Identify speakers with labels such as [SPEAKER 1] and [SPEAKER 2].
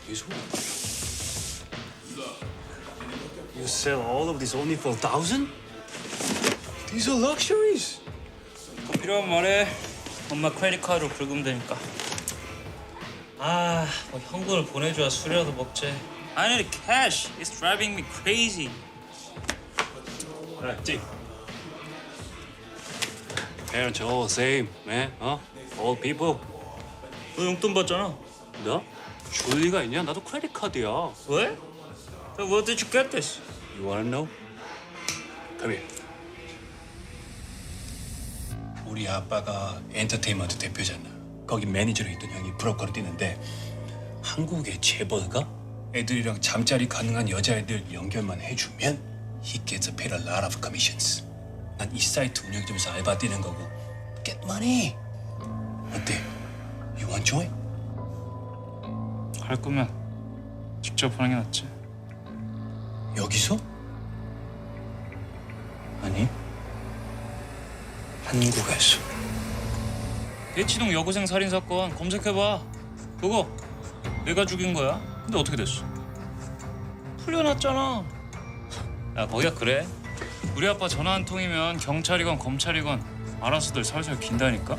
[SPEAKER 1] This one? You sell all of this only for 1,000? These are luxuries.
[SPEAKER 2] 필요하면 말해. 엄마 크레딧 카드로 긁으면 되니까. 아, 뭐 현금을 보내줘야 술이라도 먹지. I need cash. It's driving me crazy.
[SPEAKER 1] Alright, G. Parents are all the same, man. All people.
[SPEAKER 2] 너 용돈 받잖아.
[SPEAKER 1] 너? 줄 리가 있냐? 나도 크레딧 카드야.
[SPEAKER 2] 왜? Where did you get this?
[SPEAKER 1] You wanna know? Come here. 우리 아빠가 엔터테인먼트 대표잖아. 거기 매니저로 있던 형이 브로커로 뛰는데 한국의 재벌가 애들이랑 잠자리 가능한 여자애들 연결만 해주면 he gets paid a lot of commissions. 난 이 사이트 운영 좀 해서 알바 뛰는 거고 get money. 어때? You want join?
[SPEAKER 2] 할 거면 직접 하는 게 낫지.
[SPEAKER 1] 여기서? 아니 한국에서.
[SPEAKER 2] 대치동 여고생 살인 사건 검색해봐. 그거 내가 죽인 거야. 근데 어떻게 됐어? 풀려났잖아. 야, 거기가 그래. 우리 아빠 전화 한 통이면 경찰이건 검찰이건 알아서들 살살 긴다니까.